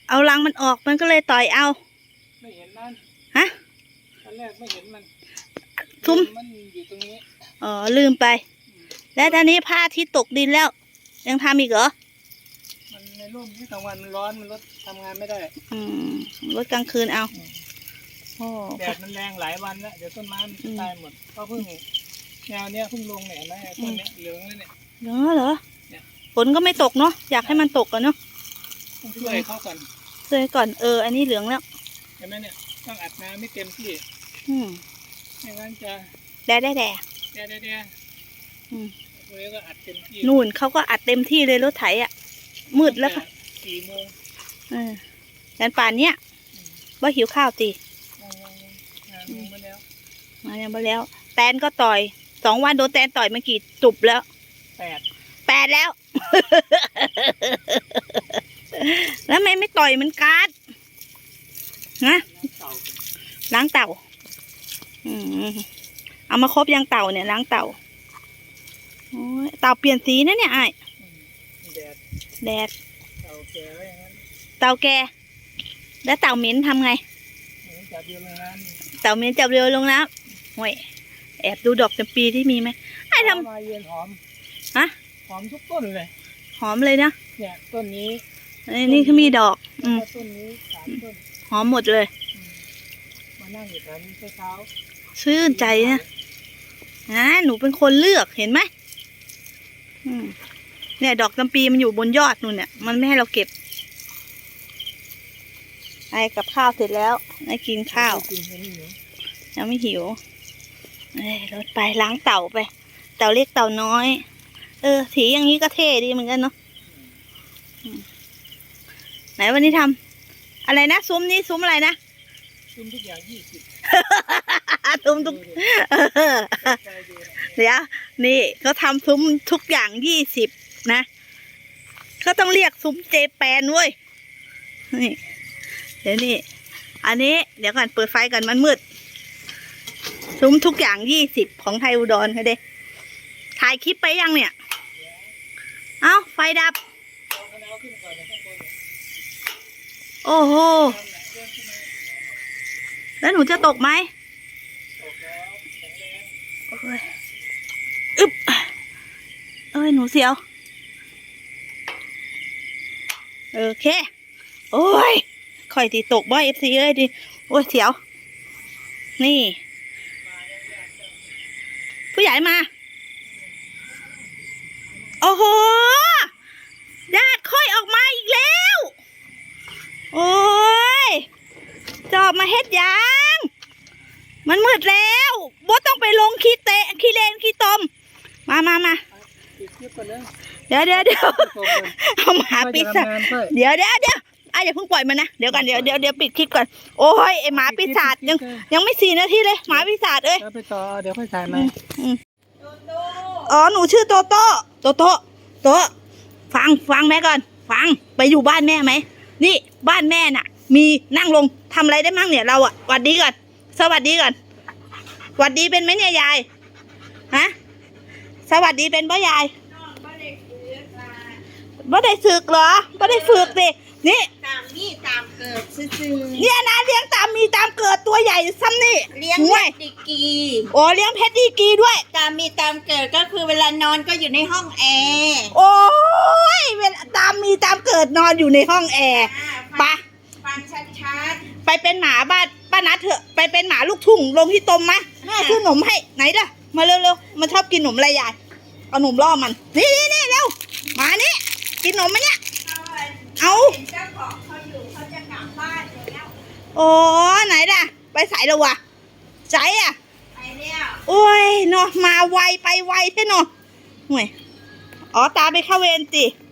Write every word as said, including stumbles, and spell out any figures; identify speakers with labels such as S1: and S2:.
S1: เอารังมันออกมันก็เลยต่อยเอา
S2: ไม่เห็นมัน
S1: ฮะ
S2: ตอนแรกไม่เห็นมัน
S1: ซุ้ม
S2: มันอยู่ตรงนี้
S1: อ๋อลืมไปแล้วตอนนี้ผ้าที่ตกดินแล้วยังทำอีกเหรอ
S2: มันในร่มที่กลางวันมันร้อนมันรถทำงานไม่ได้
S1: อืมรถกลางคืนเอาโอ้
S2: แดดมันแรงหลายวันแล้วเดี๋ยวต้นไม้มันตายหมดก็เพิ่งแนวเนี้ยเพิ่งลงเนี่ยนะต้นเนี้ยเหลืองเลยเนี่ย
S1: เหรอเหรอฝนก็ไม่ตกเนาะอยากให้มันตกกันเนาะ
S2: ต้องช่วยเขาก่อน
S1: ช่วยก่อนเอออันนี้เหลืองแล้ว
S2: เห็นไหมเนี่ยต้องอัดน้ำไม่เต็มที่
S1: อืม
S2: ไม่งั้นจะ
S1: แดดแดดแดด
S2: แดดแดดแดดอืมเลยก็อัดเต็มที่
S1: นู่นเขาก็อัดเต็มที่เลยรถไถอ่ะมืดแล้วค่ะ
S2: สี่โมง
S1: เออยันป่านเนี้ยว่าหิวข้าวตี
S2: มาแล้ว
S1: มาแล้วมาแล้วแตนก็ต่อยสองวันโดนแตนต่อยมากี่จุบแล้ว
S2: แปด
S1: แปดแล้วแล้วไม่ไม่ต่อยมันกัดนะล้างเต่าอืมเอามาครบยังเต่าเนี่ยล้างเต่าโอ้ยเต่าเปลี่ยนสีนะเนี่ยไอ้
S2: แดด
S1: แดด
S2: เต่าแก่แล้วอย่างนั้น
S1: เต่าแก่แล้วเต่าเหม็นทำไง
S2: จับเรือลงน้ำ
S1: เต่าเหม็นจับเรือลงน้ำโอ้ยแอบดูดอกจำปีที่มีไหมไอ้ทำ
S2: มาเย็นหอม
S1: ฮะ
S2: หอมทุกต้นเลย
S1: หอมเลยนะ
S2: เนี่ยต้นนี้
S1: นี่คือมีดอกอืม
S2: ต้นนี้สามต้น
S1: หอมหมดเลย
S2: มานั่งอยู่แถวนี้เช้า
S1: ชื่นใจนะนะหนูเป็นคนเลือกเห็นไหมเนี่ยดอกจำปีมันอยู่บนยอดนู่นเนี่ยมันไม่ให้เราเก็บไอ้กับข้าวเสร็จแล้วไอ้กินข้าวยังไม่หิวเอ้ยรถไปล้างเต่าไปเต่าเล็กเต่าน้อยเออสีอย่างนี้ก็เท่ดีเหมือนกันเนาะไหนวันนี้ทำอะไรนะซุ้มนี้ซุ้มอะไรนะ
S2: ซุ้มทุกอย่างยี่สิบ
S1: ซุ้มทุกเดี๋ยวนี่เขาทำซุ้มทุกอย่างยี่สิบนะเขาต้องเรียกซุ้มเจแปนเว้ยนี่เดี๋ยวนี่อันนี้เดี๋ยวก่อนเปิดไฟก่อนมันมืดซุ้มทุกอย่างยี่สิบของไทยอุดรค่ะเด้ถ่ายคลิปไปยังเนี่ยเอ้าไฟดับโอ้โหแล้วหนูจะตกไหมอึ๊บเอ้ยหนูเสียวโอเคโอ้ยค่อยตีตกบ่อยเอฟซีเอ้ยดิโอ้ยเสียวนี่ผู้ใหญ่มาโอ้โหญาติค่อยออกมาอีกแล้วโอ้ยจอบมาเฮ็ดยังมันมืดแล้วบ่ต้องไปลงขี้เตะขี้เลนขี้ตมมามามาเดี๋ยวเดี๋ยวเดี๋ยวเอาหมาปีศาจเดี๋ยวเดี๋ยวเดี๋ยวอ่ะอย่าเพิ่งปล่อยมันนะเดี๋ยวกันเดี๋ยวเดี๋ยวเดี๋ยวปิดคลิปก่อนโอ้ยไอหมาปีศาจยังยังไม่สี่นาทีเลยหมาปีศาจเอ้ย
S2: ไปต่อเดี๋ยวค่อยถ่ายไหม
S1: อ๋อหนูชื่อโตโต้โตโต้โตฟังฟังแม่ก่อนฟังไปอยู่บ้านแม่ไหมนี่บ้านแม่น่ะมีนั่งลงทำอะไรได้มั่งเนี่ยเราอ่ะสวัสดีก่อนสวัสดีก่อนสวัสดีเป็นไหมเนี่ยยายฮะสวัสดีเป็นป่ะยายบ่ได้ฝึกเหรอบ่ได้ฝึกสินี่
S3: ตามมีตามเกิดซื่อ
S1: เนี่ยนะเลี้ยงตามมีตามเกิดตัวใหญ่ซ้ำนี่
S3: เลี้ยงเพชรดีกี
S1: โอ้เลี้ยงเพชรดีกีด้วย
S3: ตามมีตามเกิดก็คือเวลานอนก็อยู่ในห้องแอร์
S1: โอ้ยเวลาตามมีตามเกิดนอนอยู่ในห้องแอร์ปะ
S3: ฟังชัด
S1: ๆไปเป็นหมาบ้านป้านัดเถอะไปเป็นหมาลูกทุ่งลงที่ตมมะแม่ซื้อหนมให้ไหนล่ะมาเร็วๆมันชอบกินหนมอะไรยายเอาหนมล่อมันนี่นี่นี่เร็วมานี่กินหนมมั้ยเนี่ยเอา
S3: เจ้าของเขาอยู่เขาจะกลับบ้านแล้ว
S1: โอ้ไหนล่ะไปใส่แล้ววะใจอ่ะ
S3: ไปแล้ว
S1: โอ้ยเนาะมาไวไปไวแท้เนาะห่วยอ๋อตาไปเข้าเวรสิ